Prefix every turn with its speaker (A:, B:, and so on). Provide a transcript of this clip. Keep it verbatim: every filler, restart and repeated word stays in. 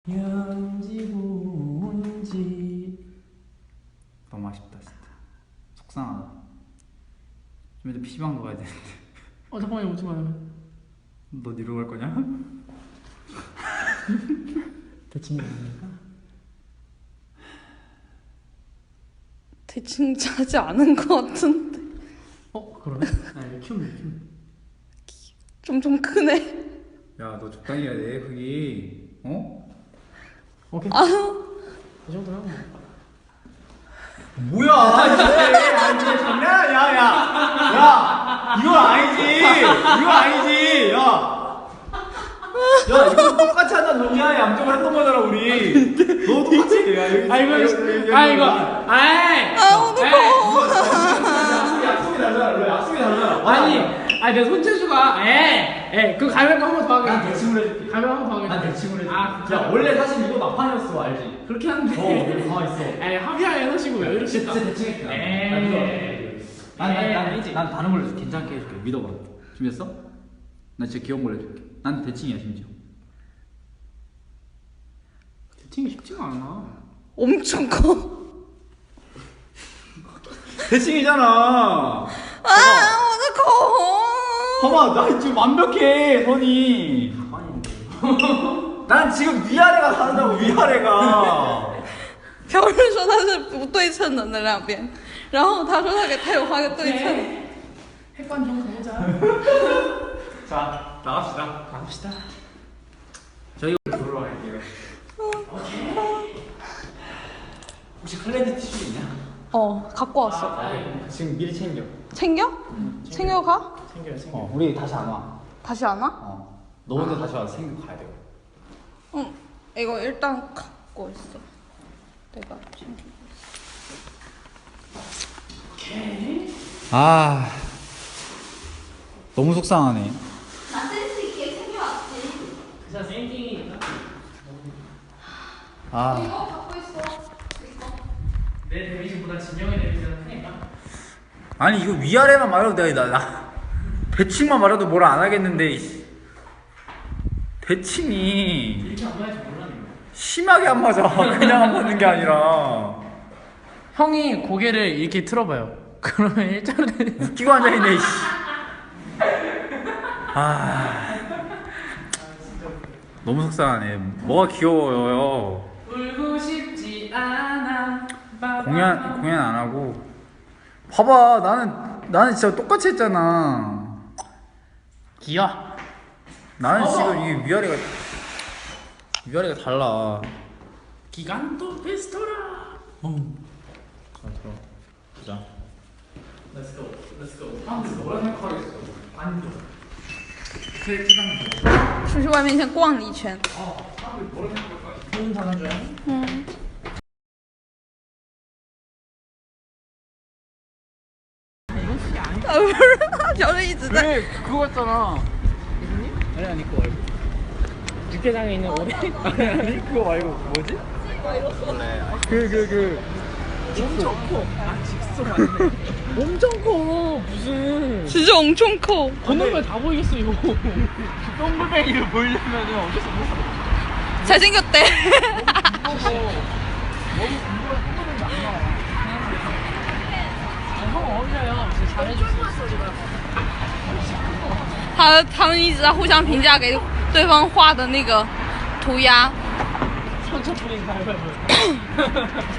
A: 현지 문지 너무 아쉽다 진짜. 속상하다. 좀 이제 피시방도 가야 되는데.
B: 어 잠깐만 오지 마요.
A: 너 뒤로 갈 거냐?
B: 대칭이 아닙니까?
C: 대칭 하지 않은 것 같은데.
B: 어 그러네? 아니 키우네 키우네.
C: 좀 좀 크네.
A: 야 너 적당히 해야 돼 거기. 어?
B: 오케이.
C: 아유.
B: 이 정도면 뭐.
A: 뭐야? 진짜 장난? 야야 야 이건 아니지. 이건 아니지. 야. 야 이거 똑같이 한다 너냐? 양쪽을 했던 거잖아 우리. 너 똑같이. 야 여기.
B: 아 이거 아 이거 아이.
C: 아 어떡해.
A: 약속이 달라. 약속이 달라.
B: 아니 아니 내 손재주가 에에 그 가위바위보 한 번 더 하게.
A: 난 대칭을 해줄게.
B: 가위바위보 한 번 더 하게.
A: 난 대칭을 해줄게.
B: 아
A: 야 원래 사실 이거 막판이었어 알지?
B: 그렇게 하는데.
A: 어 여기 가만 있어.
B: 에이 합의하에 해놓으시고 왜 이러실까?
A: 진짜 대칭했다.
B: 에이.
A: 난난난 다른 걸로 해줄게. 괜찮게 해줄게. 믿어봐. 준비했어? 나 진짜 귀여운 걸로 해줄게. 난 대칭이야 심지어.
B: 대칭이 쉽지가 않아.
C: 엄청 커.
A: 대칭이잖아.
C: 아 어떡해.
A: 봐봐 나 지금 완벽해 선이. 난 지금 위아래가 다르다고 위아래가.
C: 朴日说他是不对称的那两边，然后他说他给他有画个对称。
B: 핵관 좀 가보자.
A: 자 나갑시다.
B: 갑시다.
A: 저희 놀러 갈게요. 혹시 클렌즈 티슈 있냐?
C: 어 갖고 왔어.
A: 지금 미리 챙겨.
C: 챙겨? 챙겨 가?
B: 챙겨요 챙겨.
A: 어 우리 다시 안 와.
C: 다시 안 와?
A: 어. 너 혼자 다시 와서 챙기고 가야 돼.
C: 응. 이거 일단 갖고 있어. 내가 챙기고 있어.
A: 아 너무 속상하네.
C: 나 센스 있게 챙겨왔지.
B: 진짜 생팅이니까.
A: 아
C: 이거 갖고 있어. 이거.
B: 내 데미지보다 진영의 데미지가 크니까.
A: 아니 이거 위아래만 말해도 내가 나, 나 대칭만 말해도 뭐라 안 하겠는데 이- 대칭이
B: 이렇게 안 맞을 줄 몰랐는데.
A: 심하게 안 맞아. 그냥 안 맞는 게 아니라
B: 형이 고개를 이렇게 틀어봐요. 그러면 일자로
A: 웃기고 앉아있네. 씨. 아 너무 속상하네. 뭐가 귀여워요.
B: 울고 싶지 않아.
A: 공연 공연 안 하고 봐봐 나는 나는 진짜 똑같이 했잖아.
B: 기야.
A: 나는 지금 이게 위아래가 위아래가 달라.
B: 기간토 페스토라. 음.
A: 자 들어 보자.
B: Let's go. Let's go. 아, 근데 뭐라 생각하겠어? 안 줘.
C: 出去外面先逛了一圈。
B: 좋은 사람 줘야.
C: 嗯。啊不是，他朴日一直在。
A: 그래 그거였잖아.
B: 아니 아니 그거 말고. 육개장에 있는 오리.
A: 아니 아니 그거 말고 뭐지? 그 그 그
B: 엄청 커. 아 직소 맞네. 엄청 커. 무슨.
C: 진짜 엄청 커.
B: 건너면 다 보이겠어 이거.
A: 똥물뱅이를 보이려면은 어쩔 수 없어.
C: 잘생겼대.
B: 형 어울려요. 진짜 잘해줬어.
C: 他他们一直在互相评价给对方画的那个涂鸦。
B: 상처 뿌린 가위바위보.